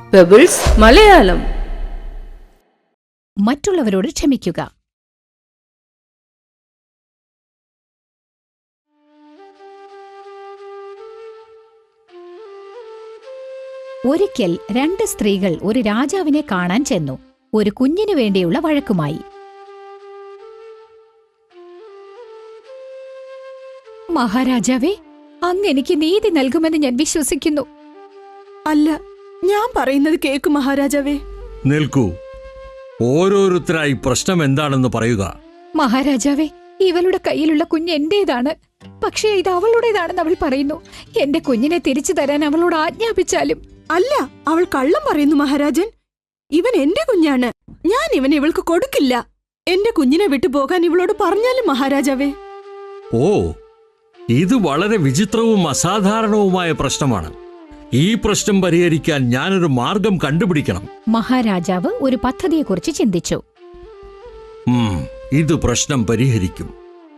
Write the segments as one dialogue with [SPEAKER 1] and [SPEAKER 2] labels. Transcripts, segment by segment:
[SPEAKER 1] Pebbles Malayalam.
[SPEAKER 2] മറ്റുള്ളവരോട് ക്ഷമിക്കുക. ഒരിക്കൽ രണ്ട് സ്ത്രീകൾ ഒരു രാജാവിനെ കാണാൻ ചെന്നു. ഒരു കുഞ്ഞിനു വേണ്ടിയുള്ള വഴക്കുമായി. മഹാരാജാവേ, അങ്ങ് എനിക്ക് നീതി നൽകുമെന്ന് ഞാൻ വിശ്വസിക്കുന്നു.
[SPEAKER 3] അല്ല, ഞാൻ പറയുന്നത് കേൾക്കു മഹാരാജാവേ.
[SPEAKER 4] നിൽക്കൂ, ഓരോരുത്തരായി പ്രശ്നം എന്താണെന്ന് പറയുക.
[SPEAKER 2] മഹാരാജാവേ, ഇവളുടെ കയ്യിലുള്ള കുഞ്ഞ് എന്റേതാണ്. പക്ഷേ ഇത് അവളുടേതാണെന്ന് അവൾ പറയുന്നു. എന്റെ കുഞ്ഞിനെ തിരിച്ചു തരാൻ അവളോട് ആജ്ഞാപിച്ചാലും.
[SPEAKER 3] അല്ല, അവൾ കള്ളം പറയുന്നു മഹാരാജൻ. ഇവൻ എന്റെ കുഞ്ഞാണ്. ഞാൻ ഇവനെ ഇവൾക്ക് കൊടുക്കില്ല. എന്റെ കുഞ്ഞിനെ വിട്ടു പോകാൻ ഇവളോട് പറഞ്ഞാലും മഹാരാജാവേ.
[SPEAKER 4] ഓ, ഇത് വളരെ വിചിത്രവും അസാധാരണവുമായ പ്രശ്നമാണ്. ഈ പ്രശ്നം പരിഹരിക്കാൻ ഞാനൊരു മാർഗം കണ്ടുപിടിക്കണം.
[SPEAKER 2] മഹാരാജാവ് ഒരു പദ്ധതിയെക്കുറിച്ച് ചിന്തിച്ചു.
[SPEAKER 4] ഇത് പ്രശ്നം പരിഹരിക്കും.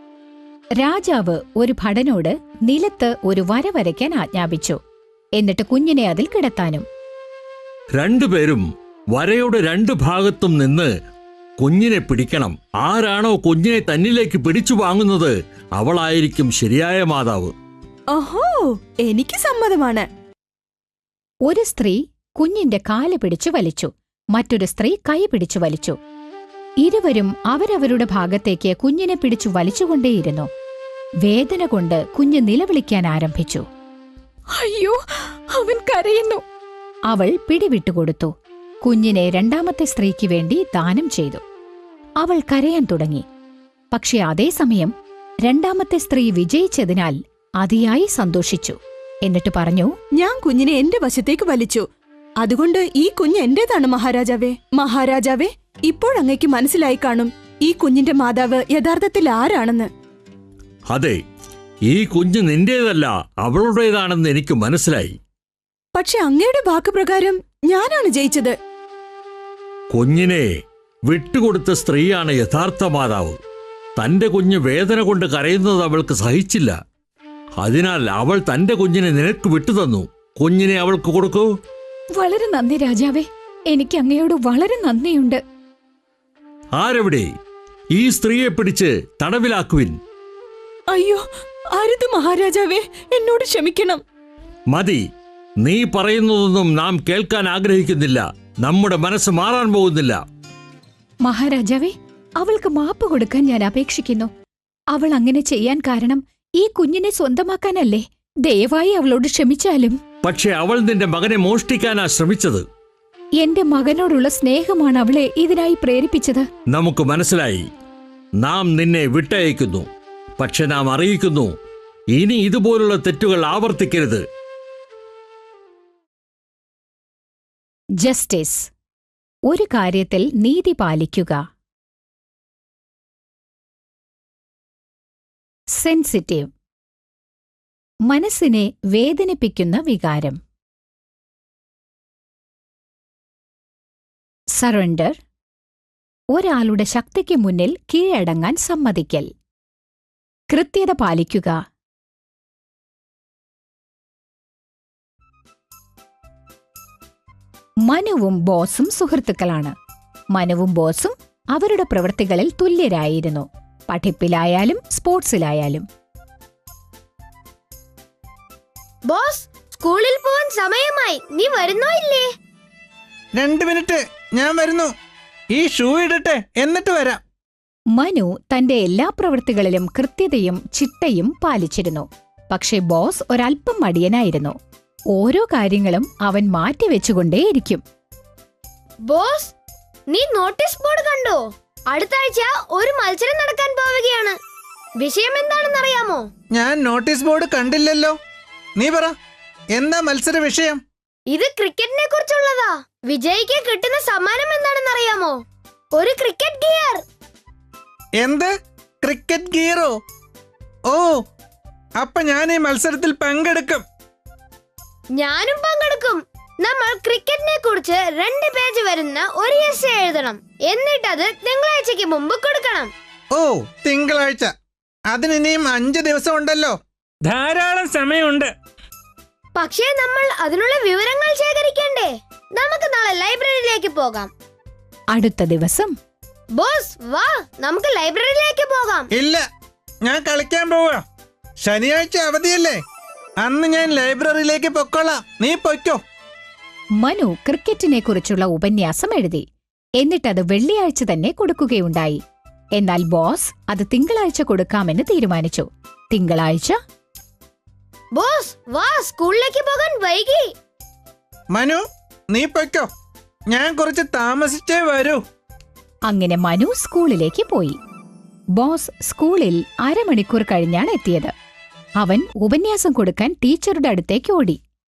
[SPEAKER 2] രാജാവ് ഒരു ഭടനോട് നിലത്ത് ഒരു വര വരയ്ക്കാൻ ആജ്ഞാപിച്ചു. എന്നിട്ട് കുഞ്ഞിനെ അതിൽ കിടത്താനും.
[SPEAKER 4] രണ്ടുപേരും വരയുടെ രണ്ടു ഭാഗത്തും നിന്ന് കുഞ്ഞിനെ പിടിക്കണം. ആരാണോ കുഞ്ഞിനെ തന്നിലേക്ക് പിടിച്ചു വാങ്ങുന്നത് അവളായിരിക്കും ശരിയായ മാതാവ്.
[SPEAKER 3] ഓഹോ, എനിക്ക് സമ്മതമാണ്.
[SPEAKER 2] ഒരു സ്ത്രീ കുഞ്ഞിന്റെ കാല് പിടിച്ചു വലിച്ചു. മറ്റൊരു സ്ത്രീ കൈ പിടിച്ചു വലിച്ചു. ഇരുവരും അവരവരുടെ ഭാഗത്തേക്ക് കുഞ്ഞിനെ പിടിച്ചു വലിച്ചുകൊണ്ടേയിരുന്നു. വേദന കൊണ്ട് കുഞ്ഞ് നിലവിളിക്കാൻ ആരംഭിച്ചു. അയ്യോ, അവൻ കരയുന്നു. അവൾ പിടിവിട്ടുകൊടുത്തു. കുഞ്ഞിനെ രണ്ടാമത്തെ സ്ത്രീക്ക് വേണ്ടി ദാനം ചെയ്തു. അവൾ കരയാൻ തുടങ്ങി. പക്ഷെ അതേസമയം രണ്ടാമത്തെ സ്ത്രീ വിജയിച്ചതിനാൽ അതിയായി സന്തോഷിച്ചു. എന്നിട്ട് പറഞ്ഞു,
[SPEAKER 3] ഞാൻ കുഞ്ഞിനെ എന്റെ വശത്തേക്ക് വലിച്ചു. അതുകൊണ്ട് ഈ കുഞ്ഞ് എന്റേതാണ് മഹാരാജാവേ. മഹാരാജാവേ, ഇപ്പോഴങ്ങയ്ക്ക് മനസ്സിലായി കാണും ഈ കുഞ്ഞിന്റെ മാതാവ് യഥാർത്ഥത്തിൽ ആരാണെന്ന്.
[SPEAKER 4] അതെ, ഈ കുഞ്ഞ് നിന്റേതല്ല, അവളുടേതാണെന്ന് എനിക്ക് മനസ്സിലായി.
[SPEAKER 3] പക്ഷെ അങ്ങയുടെ വാക്ക് പ്രകാരം ഞാനാണ് ജയിച്ചത്.
[SPEAKER 4] കുഞ്ഞിനെ വിട്ടുകൊടുത്ത സ്ത്രീയാണ് യഥാർത്ഥ മാതാവ്. തന്റെ കുഞ്ഞ് വേദന കൊണ്ട് കരയുന്നത് അവൾക്ക് സഹിച്ചില്ല. അതിനാൽ അവൾ തന്റെ കുഞ്ഞിനെ നിനക്ക് വിട്ടുതന്നു. കുഞ്ഞിനെ അവൾക്ക് കൊടുക്കൂ.
[SPEAKER 2] വളരെ നന്ദി രാജാവേ, എനിക്ക് അങ്ങയോട് വളരെ നന്ദിയുണ്ട്.
[SPEAKER 4] ആരെവിടെ? ഈ സ്ത്രീയെ പിടിച്ച് തടവിലാക്കുവിൻ.
[SPEAKER 3] അയ്യോ, അരുത് മഹാരാജാവേ, എന്നോട് ക്ഷമിക്കണം.
[SPEAKER 4] മതി, നീ പറയുന്നതൊന്നും നാം കേൾക്കാൻ ആഗ്രഹിക്കുന്നില്ല. നമ്മുടെ മനസ്സ് മാറാൻ പോകുന്നില്ല.
[SPEAKER 2] മഹാരാജാവേ, അവൾക്ക് മാപ്പ് കൊടുക്കാൻ ഞാൻ അപേക്ഷിക്കുന്നു. അവൾ അങ്ങനെ ചെയ്യാൻ കാരണം ഈ കുഞ്ഞിനെ സ്വന്തമാക്കാനല്ലേ? ദയവായി അവളോട് ക്ഷമിച്ചാലും.
[SPEAKER 4] പക്ഷെ അവൾ നിന്റെ മകനെ മോഷ്ടിക്കാനാ ശ്രമിച്ചത്.
[SPEAKER 2] എന്റെ മകനോടുള്ള സ്നേഹമാണ് അവളെ ഇതിനായി പ്രേരിപ്പിച്ചത്.
[SPEAKER 4] നമുക്ക് മനസ്സിലായി. നാം നിന്നെ വിട്ടയക്കുന്നു. പക്ഷെ നാം അറിയിക്കുന്നു, ഇനി ഇതുപോലുള്ള തെറ്റുകൾ ആവർത്തിക്കരുത്.
[SPEAKER 2] ജസ്റ്റിസ്. ഒരു കാര്യത്തിൽ നീതി പാലിക്കുക. സെൻസിറ്റീവ്. മനസ്സിനെ വേദനിപ്പിക്കുന്ന വികാരം. സറണ്ടർ. ഒരാളുടെ ശക്തിക്ക് മുന്നിൽ കീഴടങ്ങാൻ സമ്മതിക്കൽ. കൃത്യത പാലിക്കുക. മനുവും ബോസും സുഹൃത്തുക്കളാണ്. മനുവും ബോസും അവരുടെ പ്രവൃത്തികളിൽ തുല്യരായിരുന്നു, പഠിപ്പിലായാലും സ്പോർട്സിലായാലും.
[SPEAKER 5] ബോസ്, സ്കൂളിൽ പോവാൻ സമയമായി. നീ വരുന്നോ ഇല്ലേ?
[SPEAKER 6] 2 മിനിറ്റ്, ഞാൻ വരുന്നു. ഈ ഷൂ ഇടട്ടെ, എന്നിട്ട് വരാം.
[SPEAKER 2] മനു തന്റെ എല്ലാ പ്രവൃത്തികളിലും കൃത്യതയും ചിട്ടയും പാലിച്ചിരുന്നു. പക്ഷെ ബോസ് ഒരല്പം മടിയനായിരുന്നു. ഓരോ കാര്യങ്ങളും അവൻ മാറ്റിവെച്ചുകൊണ്ടേയിരിക്കും.
[SPEAKER 5] ബോസ്, നീ നോട്ടീസ് ബോർഡ് കണ്ടോ? അടുത്ത ആഴ്ച ഒരു മത്സരം നടക്കാൻ പോവുകയാണ്. വിഷയം എന്താണെന്നറിയാമോ?
[SPEAKER 6] ഞാൻ നോട്ടീസ് ബോർഡ് കണ്ടില്ലല്ലോ. നീ പറ, എന്താ മത്സര വിഷയം?
[SPEAKER 5] ഇത് ക്രിക്കറ്റിനെ കുറിച്ചുള്ളതാ. വിജയിക്ക് കിട്ടുന്ന സമ്മാനം എന്താണെന്നറിയാമോ? ഒരു ക്രിക്കറ്റ് ഗിയർ.
[SPEAKER 6] എന്ത്? ക്രിക്കറ്റ് ഗിയറോ? ഓ, അപ്പൊ ഞാൻ ഈ മത്സരത്തിൽ പങ്കെടുക്കും.
[SPEAKER 5] ഞാനും പങ്കെടുക്കും. നമ്മൾ ക്രിക്കറ്റിനെ കുറിച്ച് 2 പേജ് വരുന്ന ഒരു എസ്സേ എഴുതണം. എന്നിട്ടത് തിങ്കളാഴ്ചക്ക് മുമ്പ് കൊടുക്കണം.
[SPEAKER 6] ഓ, തിങ്കളാഴ്ച. അതിനിനിയും 5 ദിവസം ഉണ്ടല്ലോ.
[SPEAKER 7] ധാരാളം സമയമുണ്ട്.
[SPEAKER 5] പക്ഷേ നമ്മൾ അതിനുള്ള വിവരങ്ങൾ ശേഖരിക്കണ്ടേ? നമുക്ക് നാളെ ലൈബ്രറിയിലേക്ക് പോകാം.
[SPEAKER 2] അടുത്ത ദിവസം
[SPEAKER 5] ബോസ് വാ, നമുക്ക് ലൈബ്രറിയിലേക്ക് പോകാം.
[SPEAKER 6] ഇല്ല, ഞാൻ കളിക്കാൻ പോവാ. ശനിയാഴ്ച അവധിയല്ലേ, അന്ന് ഞാൻ ലൈബ്രറിയിലേക്ക് പൊക്കോളാം. നീ പൊയ്ക്കോ.
[SPEAKER 2] മനു ക്രിക്കറ്റിനെ കുറിച്ചുള്ള ഉപന്യാസം എഴുതി. എന്നിട്ടത് വെള്ളിയാഴ്ച തന്നെ കൊടുക്കുകയുണ്ടായി. എന്നാൽ ബോസ് അത് തിങ്കളാഴ്ച കൊടുക്കാമെന്ന് തീരുമാനിച്ചു. തിങ്കളാഴ്ച
[SPEAKER 5] ബോസ് വാ, സ്കൂളിലേക്ക് പോകാൻ വൈകി.
[SPEAKER 6] മനു, നീ പൊയ്ക്കോ, ഞാൻ കുറച്ച് താമസിച്ചേ വരൂ.
[SPEAKER 2] അങ്ങനെ മനു സ്കൂളിലേക്ക് പോയി. ബോസ് സ്കൂളിൽ അരമണിക്കൂർ കഴിഞ്ഞാണ് എത്തിയത്. അവൻ ഉപന്യാസം കൊടുക്കാൻ ടീച്ചറുടെ അടുത്തേക്ക് ഓടി.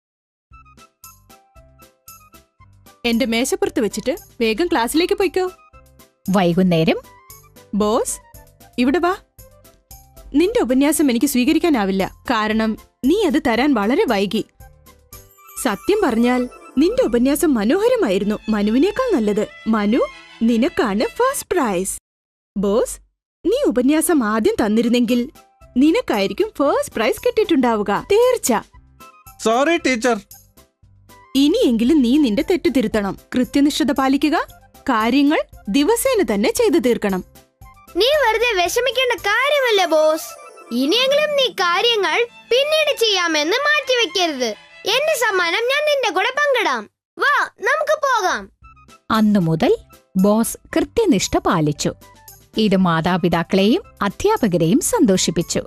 [SPEAKER 3] എന്റെ മേശപ്പുറത്ത് വെച്ചിട്ട് വേഗം ക്ലാസ്സിലേക്ക് പോയിക്കോ.
[SPEAKER 2] വൈകുന്നേരം
[SPEAKER 3] ബോസ്, ഇവിടെ വാ. നിന്റെ ഉപന്യാസം എനിക്ക് സ്വീകരിക്കാനാവില്ല, കാരണം നീ അത് തരാൻ വളരെ വൈകി. സത്യം പറഞ്ഞാൽ നിന്റെ ഉപന്യാസം മനോഹരമായിരുന്നു, മനുവിനേക്കാൾ നല്ലത്. മനു, നിനക്കാണ് ഫസ്റ്റ് പ്രൈസ്. ബോസ്, നീ ഉപന്യാസം ആദ്യം തന്നിരുന്നെങ്കിൽ നിനക്കായിരിക്കും ഫസ്റ്റ് പ്രൈസ് കിട്ടിയിട്ടുണ്ടാവുക, തീർച്ച.
[SPEAKER 6] Sorry teacher.
[SPEAKER 3] ഇനിയെങ്കിലും നീ നിന്റെ തെറ്റ് തിരുത്തണം. കൃത്യനിഷ്ഠത പാലിക്കുക, കാര്യങ്ങൾ ദിവസേന തന്നെ ചെയ്തു തീർക്കണം.
[SPEAKER 5] നീ വെറുതെ വിഷമിക്കേണ്ട കാര്യമല്ല ബോസ്. ഇനിയെങ്കിലും നീ കാര്യങ്ങൾ പിന്നീട് ചെയ്യാമെന്ന് മാറ്റിവെക്കരുത്. എന്റെ സമ്മാനം ഞാൻ നിന്റെ കൂടെ പങ്കിടാം. വാ, നമുക്ക് പോകാം.
[SPEAKER 2] അന്നു മുതൽ ബോസ് കൃത്യനിഷ്ഠ പാലിച്ചു. ഇത് മാതാപിതാക്കളെയും അധ്യാപകരെയും സന്തോഷിപ്പിച്ചു.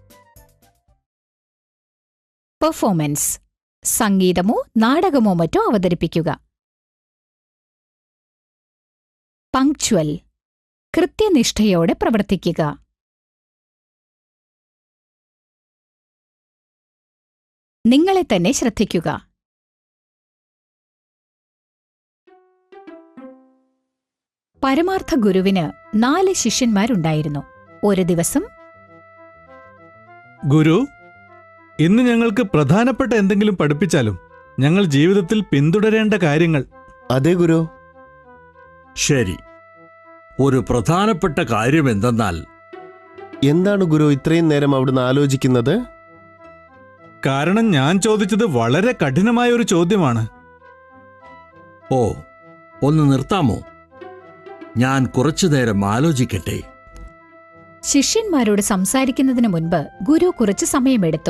[SPEAKER 2] പെർഫോമൻസ്: സംഗീതമോ നാടകമോ മറ്റോ അവതരിപ്പിക്കുക. പങ്ക്ച്വൽ: കൃത്യനിഷ്ഠയോടെ പ്രവർത്തിക്കുക. നിങ്ങളെ തന്നെ ശ്രദ്ധിക്കുക. പരമാർത്ഥ ഗുരുവിന് 4 ശിഷ്യന്മാരുണ്ടായിരുന്നു. ഒരു ദിവസം
[SPEAKER 1] ഗുരു, ഇന്ന് ഞങ്ങൾക്ക് പ്രധാനപ്പെട്ട എന്തെങ്കിലും പഠിപ്പിച്ചാലും. ഞങ്ങൾ ജീവിതത്തിൽ പിന്തുടരേണ്ട കാര്യങ്ങൾ.
[SPEAKER 7] അതെ ഗുരു.
[SPEAKER 4] ശരി, ഒരു പ്രധാനപ്പെട്ട കാര്യം എന്തെന്നാൽ
[SPEAKER 7] എന്താണ് ഗുരു ഇത്രയും നേരം അവിടുന്ന് ആലോചിക്കുന്നത്?
[SPEAKER 1] കാരണം ഞാൻ ചോദിച്ചത് വളരെ കഠിനമായ ഒരു ചോദ്യമാണ്.
[SPEAKER 4] ഓ, ഒന്ന് നിർത്താമോ? ഞാൻ കുറച്ചുനേരം ആലോചിക്കട്ടെ.
[SPEAKER 2] ശിഷ്യന്മാരോട് സംസാരിക്കുന്നതിനു മുൻപ് ഗുരു കുറച്ചു സമയമെടുത്തു.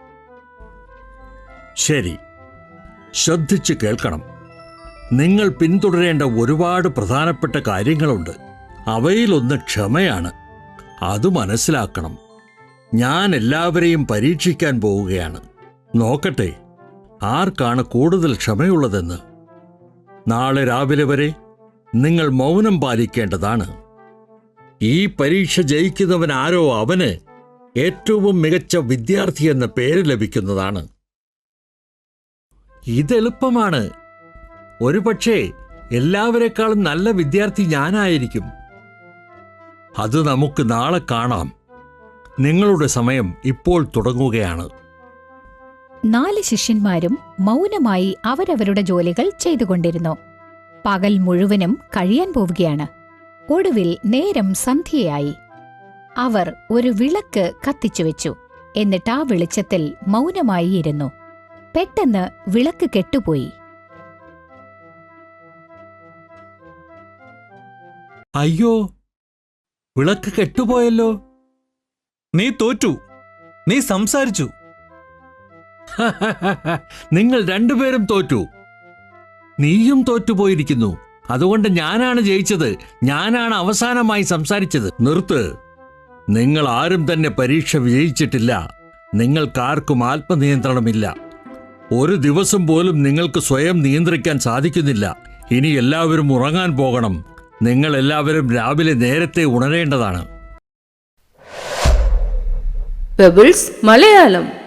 [SPEAKER 4] ശരി, ശ്രദ്ധിച്ചു കേൾക്കണം. നിങ്ങൾ പിന്തുടരേണ്ട ഒരുപാട് പ്രധാനപ്പെട്ട കാര്യങ്ങളുണ്ട്. അവയിലൊന്ന് ക്ഷമയാണ്. അത് മനസ്സിലാക്കണം. ഞാൻ എല്ലാവരെയും പരീക്ഷിക്കാൻ പോവുകയാണ്. നോക്കട്ടെ ആർക്കാണ് കൂടുതൽ ക്ഷമയുള്ളതെന്ന്. നാളെ രാവിലെ വരെ നിങ്ങൾ മൗനം പാലിക്കേണ്ടതാണ്. ഈ പരീക്ഷ ജയിക്കുന്നവൻ ആരോ അവന് ഏറ്റവും മികച്ച വിദ്യാർത്ഥി എന്ന പേര് ലഭിക്കുന്നതാണ്. ഇതെളുപ്പമാണ്. ഒരുപക്ഷേ എല്ലാവരെക്കാളും നല്ല വിദ്യാർത്ഥി ഞാനായിരിക്കും. അത് നമുക്ക് നാളെ കാണാം. നിങ്ങളുടെ സമയം ഇപ്പോൾ തുടങ്ങുകയാണ്.
[SPEAKER 2] 4 ശിഷ്യന്മാരും മൗനമായി അവരവരുടെ ജോലികൾ ചെയ്തുകൊണ്ടിരുന്നു. പകൽ മുഴുവനും കഴിയാൻ പോവുകയാണ്. ഒടുവിൽ നേരം സന്ധ്യയായി. അവർ ഒരു വിളക്ക് കത്തിച്ചുവെച്ചു. എന്നിട്ട് ആ വെളിച്ചത്തിൽ മൗനമായി ഇരുന്നു. പെട്ടെന്ന് വിളക്ക് കെട്ടുപോയി.
[SPEAKER 4] അയ്യോ, വിളക്ക് കെട്ടുപോയല്ലോ.
[SPEAKER 1] നീ തോറ്റു. നീ സംസാരിച്ചു.
[SPEAKER 4] നിങ്ങൾ രണ്ടുപേരും തോറ്റു. നീയും തോറ്റുപോയിരിക്കുന്നു. അതുകൊണ്ട് ഞാനാണ് ജയിച്ചത്. ഞാനാണ് അവസാനമായി സംസാരിച്ചത്. നിർത്ത്. നിങ്ങൾ ആരും തന്നെ പരീക്ഷ വിജയിച്ചിട്ടില്ല. നിങ്ങൾക്കാർക്കും ആത്മനിയന്ത്രണമില്ല. ഒരു ദിവസം പോലും നിങ്ങൾക്ക് സ്വയം നിയന്ത്രിക്കാൻ സാധിക്കുന്നില്ല. ഇനി എല്ലാവരും ഉറങ്ങാൻ പോകണം. നിങ്ങൾ എല്ലാവരും രാവിലെ നേരത്തെ ഉണരേണ്ടതാണ്.
[SPEAKER 8] പെബിൾസ് മലയാളം.